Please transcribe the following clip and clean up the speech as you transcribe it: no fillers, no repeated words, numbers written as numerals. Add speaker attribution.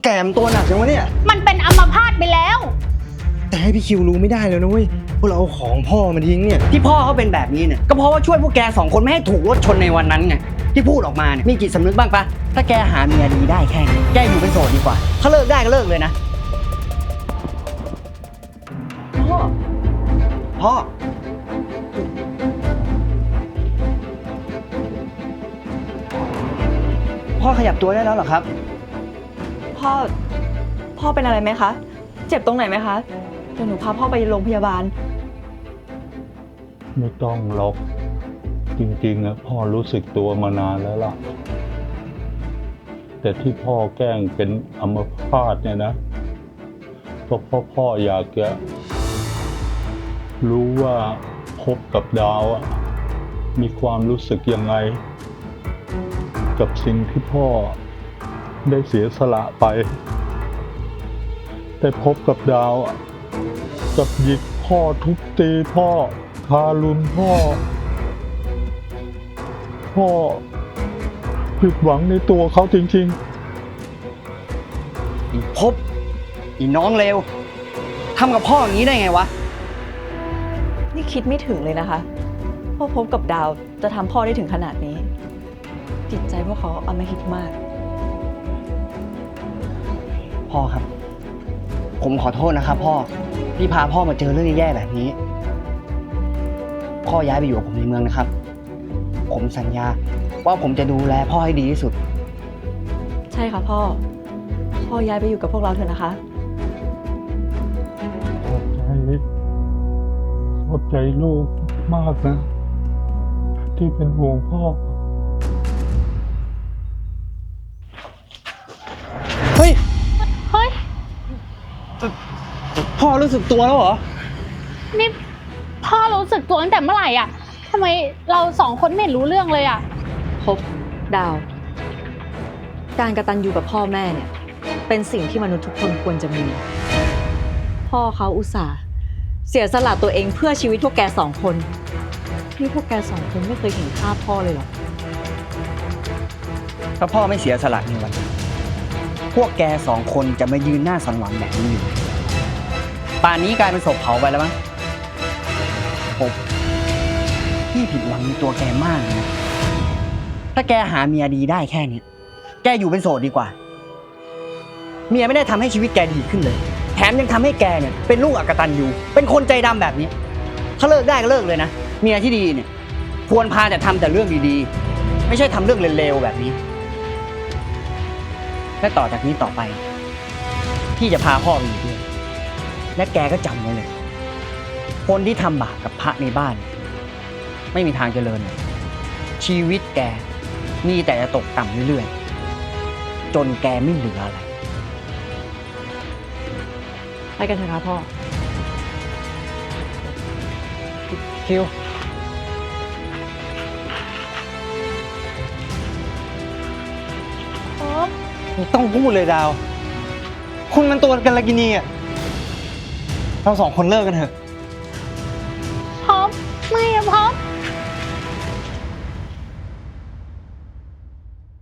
Speaker 1: แกมตัวหนักจังวะเนี่ย
Speaker 2: มันเป็นอัมพาตไปแล้ว
Speaker 1: แต่ให้พี่คิวรู้ไม่ได้แล้วนะเว้ยพวกเราเอาของพ่อมาทิ้งเนี่ยที่พ่อเขาเป็นแบบนี้เนี่ยก็เพราะว่าช่วยพวกแกสองคนไม่ให้ถูกรถชนในวันนั้นไงที่พูดออกมาเนี่ยมีจิตสำนึกบ้างปะถ้าแกหาเมียดีได้แค่นี้แกอยู่เป็นโสดดีกว่าถ้าเลิกได้ก็เลิกเลยนะพ่อพ่อขยับตัวได้แล้วเหรอครับ
Speaker 3: พ่อเป็นอะไรไหมคะเจ็บตรงไหนไหมคะเดี๋ยวหนูพาพ่อไปโรงพยาบาล
Speaker 4: ไม่ต้องหรอกจริงๆนะพ่อรู้สึกตัวมานานแล้วล่ะแต่ที่พ่อแกล้งเป็นอัมพาตเนี่ยนะก็เพราะพ่ออยากจะรู้ว่าพบกับดาวมีความรู้สึกยังไงกับสิ่งที่พ่อได้เสียสละไปแต่พบกับดาวกับหยิกพ่อทุบตีพ่อทารุณพ่อผิดหวังในตัวเขาจริงๆ
Speaker 1: อีพบอีน้องเลวทำกับพ่ออย่างนี้ได้ไงวะ
Speaker 3: นี่คิดไม่ถึงเลยนะคะว่าพบกับดาวจะทำพ่อได้ถึงขนาดนี้จิตใจพวกเขาอำมหิตมาก
Speaker 1: พ่อครับผมขอโทษนะครับพ่อที่พาพ่อมาเจอเรื่องแย่ๆแบบนี้พ่อย้ายไปอยู่กับผมในเมืองนะครับผมสัญญาว่าผมจะดูแลพ่อให้ดีที่สุด
Speaker 3: ใช่ค่ะพ่อย้ายไปอยู่กับพวกเราเถอะนะคะ
Speaker 4: ขอบใจลูกมากนะที่เป็นห่วงพ่อ
Speaker 1: เฮ้ยพ่อรู้สึกตัวแล้วเหรอ
Speaker 2: นี่พ่อรู้สึกตัวตั้งแต่เมื่อไหร่อ่ะทำไมเราสองคนไม่เห็นรู้เรื่องเลยอ่ะ
Speaker 3: พบดาวการกตัญญูกับพ่อแม่เนี่ยเป็นสิ่งที่มนุษย์ทุกคนควรจะมีพ่อเขาอุตส่าห์เสียสละตัวเองเพื่อชีวิตพวกแกสองคนนี่พวกแกสองคนไม่เคยเห็นค่าพ่อเลยหรอ
Speaker 1: ถ้าพ่อไม่เสียสละในวันนั้นพวกแกสองคนจะมายืนหน้าสันหวังแบบนี้อยู่ป่านนี้กลายเป็นศพเผาไปแล้วมั้งผมพี่ผิดหวังในตัวแกมากนะถ้าแกหาเมียดีได้แค่นี้แกอยู่เป็นโสดดีกว่าเมียไม่ได้ทำให้ชีวิตแกดีขึ้นเลยแถมยังทำให้แกเนี่ยเป็นลูกอกตัญญูเป็นคนใจดำแบบนี้ถ้าเลิกได้ก็เลิกเลยนะเมียที่ดีเนี่ยควรพาแต่ทำแต่เรื่องดีๆไม่ใช่ทำเรื่องเลวๆแบบนี้และต่อจากนี้ต่อไปพี่จะพาพ่อไปอยู่ด้วยและแกก็จำไว้เลยคนที่ทำบาปกับพระในบ้านไม่มีทางเจริญชีวิตแกมีแต่จะตกต่ำเรื่อยๆจนแกไม่เหลืออะไร
Speaker 3: ไปกันเถอะครับพ่อ
Speaker 1: คิวไม่ต้องพูดเลยดาวคุณมันตัวกันลกินีอ่ะเราสองคนเลิกกันเถอะ
Speaker 2: พบไม่อะพบ